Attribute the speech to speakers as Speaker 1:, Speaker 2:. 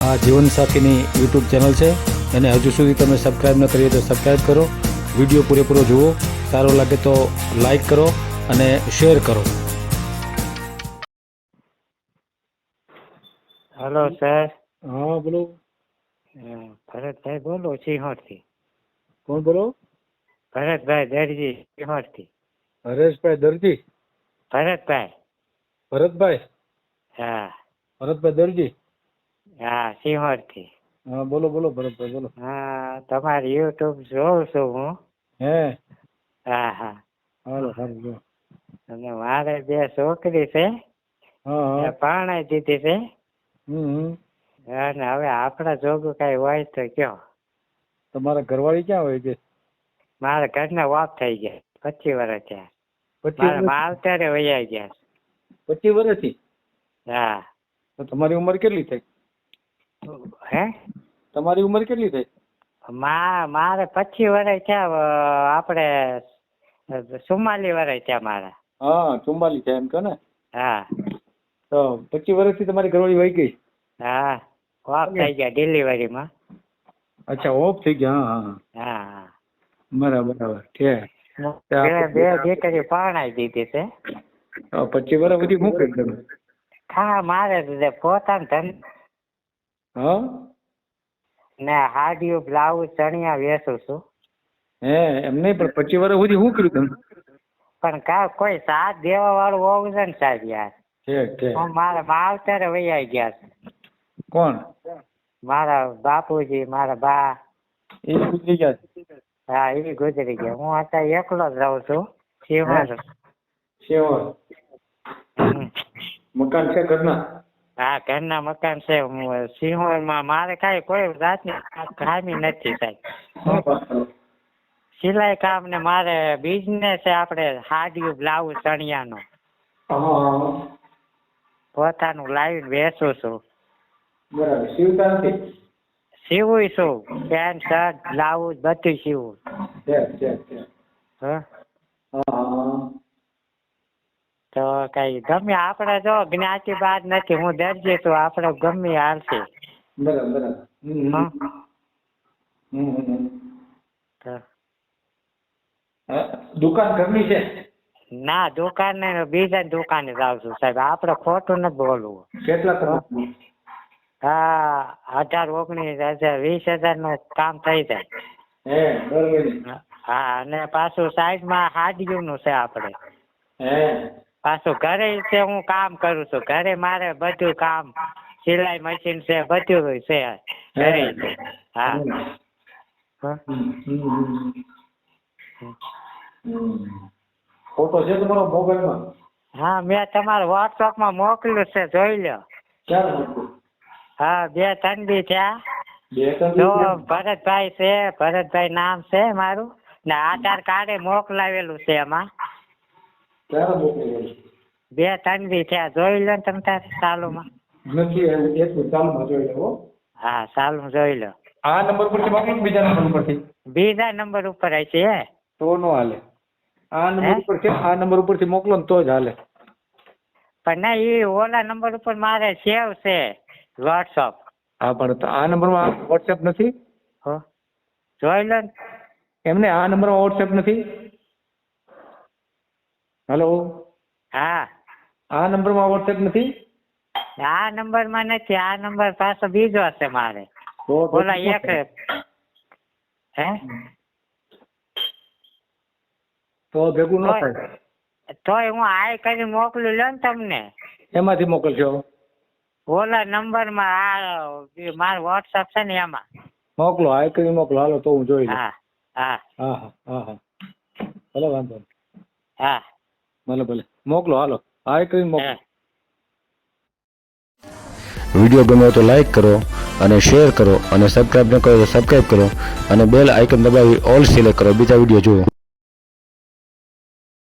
Speaker 1: આ જીવનસાથીની YouTube channel છે, એને હજુ સુધી તમે સબસ્ક્રાઈબ ન કરી તો સબસ્ક્રાઈબ કરો. વિડીયો પૂરેપૂરો જુઓ, સારો લાગે તો લાઈક કરો અને શેર કરો.
Speaker 2: Hello sir.
Speaker 1: હા બોલો.
Speaker 2: ભરતભાઈ બોલો સિંહોરથી.
Speaker 1: કોણ બોલો?
Speaker 2: ભરતભાઈ દરજી સિંહોરથી.
Speaker 1: હરેશભાઈ દરજી?
Speaker 2: ભરતભાઈ.
Speaker 1: ભરતભાઈ?
Speaker 2: હા.
Speaker 1: ભરતભાઈ દરજી?
Speaker 2: હા, સિંહોરથી.
Speaker 1: હા બોલો બોલો ભરતભાઈ બોલો.
Speaker 2: હા, તમારી યુટ્યુબ જોઉં છું હું.
Speaker 1: હે?
Speaker 2: હા હા.
Speaker 1: હાલો સારું જો.
Speaker 2: અને મારે 2 છોકરી છે,
Speaker 1: હા
Speaker 2: પરણાઈ દીધી છે.
Speaker 1: હમ.
Speaker 2: અને હવે આપણા જોગું કઈ હોય તો કયો.
Speaker 1: તમારા ઘરવાળી ક્યાં હોય છે?
Speaker 2: મારા ઘરના ઓફ થઈ ગયા 25 વર્ષ થયા.
Speaker 1: 25
Speaker 2: મારા
Speaker 1: વર્ષ?
Speaker 2: માવતરે વૈયા ગયા.
Speaker 1: 25 વર્ષથી?
Speaker 2: હા.
Speaker 1: તો તમારી ઉંમર કેટલી થઈ?
Speaker 2: હે?
Speaker 1: તમારી ઉંમર કેટલી થઈ?
Speaker 2: મારે 25 વર્ષ થયા. આપણે 44 વર્ષ થયા મારા.
Speaker 1: હા 44 છે એમ કહો ને.
Speaker 2: હા.
Speaker 1: તો 25 વર્ષથી તમારી ઘરવાળી વહી ગઈ?
Speaker 2: હા, ઓફ થઈ ગયા ડિલિવરીમાં.
Speaker 1: અચ્છા, ઓફ થઈ ગયા. હા
Speaker 2: હા હા.
Speaker 1: બરાબર બરાબર છે.
Speaker 2: બે દીકરી પરણાઈ દીધી છે.
Speaker 1: 25 વર્ષ સુધી શું કરી તમે?
Speaker 2: હા, મારે પોતાનું ધંધો
Speaker 1: હા
Speaker 2: ને હાડિયું બ્લાઉઝ ચણિયા વેચું છું.
Speaker 1: હે એમ નહીં, પણ 25 વર્ષ સુધી શું કર્યું તમે?
Speaker 2: પણ કોઈ સાથ દેવા વાળું હોવું છે ને સાહેબ યાર.
Speaker 1: છે.
Speaker 2: મારા માવતરે વૈયા ગયા છે.
Speaker 1: કોણ?
Speaker 2: મારા બાપુજી, મારા બા.
Speaker 1: એ ગુજરી ગયા?
Speaker 2: હા, એ ગુજરી ગયા. હું અત્યારે એકલો જ રહું છું.
Speaker 1: શેવર મકાન છે ઘરના?
Speaker 2: હા, ઘરના મકાન છે. હું સિંહોરમાં મારે કોઈ જાતની ખામી નથી સાહેબ. સિલાઈ કામ ને મારે બિઝનેસ છે, આપણે હાડિયું બ્લાઉઝ ચણિયાનો પોતાનું લાવીને વેચું છું.
Speaker 1: બરાબર. સીવતા નથી?
Speaker 2: સીવું છું, પેન્ટ શર્ટ બ્લાઉઝ બધું સીવું. તો કઈ ગમે આપણે જો જ્ઞાતિ બાદ નથી. હું દરજી છું, આપણે ગમે હાલશે.
Speaker 1: બરાબર. દુકાન ઘરની છે?
Speaker 2: ના, દુકાન ને બીજા દુકાને જાઉં છું સાહેબ. આપણે ખોટું નથી બોલવું.
Speaker 1: કેટલા કલાક?
Speaker 2: હા, 18-19 20,000 નું કામ થઈ જાય. હા, અને પાછું સાઈડમાં હાડિયું નું છે આપણે. પાછું ઘરે છે, હું કામ કરું છું. ઘરે મારે બધું કામ, સિલાઈ મશીન છે, બધું છે ઘરે. હા.
Speaker 1: ફોટો છે તમારો મોબાઈલમાં?
Speaker 2: હા, મેં તમારા વોટ્સઅપમાં મોકલ્યું છે, જોઈ લો.
Speaker 1: ક્યારે મોકલ્યું?
Speaker 2: હા, 2-3 દી થયા.
Speaker 1: 2-3
Speaker 2: જો
Speaker 1: દી?
Speaker 2: ભરતભાઈ છે, ભરતભાઈ નામ છે મારું, ને આધાર કાર્ડ મોકલાવેલું છે એમાં.
Speaker 1: ક્યારે મોકલેલું?
Speaker 2: 2-3 દી થયા. જોઈ લો ને તમે તારે ચાલુમાં.
Speaker 1: નથી એટલું ચાલુમાં જોઈ લો.
Speaker 2: હા, ચાલુમાં જોઈ લો.
Speaker 1: આ નંબર પરથી મોકલો કે બીજા નંબર પરથી?
Speaker 2: બીજા નંબર ઉપર હશે હે?
Speaker 1: તો નો હાલે. આ નંબર ઉપર છે, આ નંબર ઉપરથી મોકલો ને તો જ હાલે.
Speaker 2: પણ ના, એ ઓલા નંબર ઉપર મારે સેવ છે વોટ્સઅપ.
Speaker 1: હા, પણ આ નંબરમાં વોટ્સએપ નથી?
Speaker 2: જોઈ લો ને.
Speaker 1: એમને આ નંબરમાં વોટ્સએપ નથી? હેલો.
Speaker 2: હા.
Speaker 1: આ નંબરમાં વોટ્સએપ નથી?
Speaker 2: આ નંબરમાં નથી. આ નંબર પાછો બીજો હશે મારે. ઓલા એક હે
Speaker 1: તો ભેગું ન થાય.
Speaker 2: તોય હું આય કરીને મોકલું લો ને તમને.
Speaker 1: એમાંથી મોકલજો?
Speaker 2: ઓલા નંબરમાં મારો વોટ્સઅપ છે ને એમાં
Speaker 1: મોકલો. આય કરીને મોકલો. હાલો તો હું જોઈ લઉં.
Speaker 2: હા હા
Speaker 1: હા હા હા ભલે વાંધો નહીં.
Speaker 2: હા
Speaker 1: ભલે મોકલો. હાલો આય કરીને મોકલો.
Speaker 3: વિડીયો ગમ્યો તો લાઈક કરો અને શેર કરો અને સબસ્ક્રાઈબ ન કરો તો સબસ્ક્રાઈબ કરો અને બેલ આઇકન દબાવી ઓલ સિલેક્ટ કરો બીજા વિડીયો જુઓ.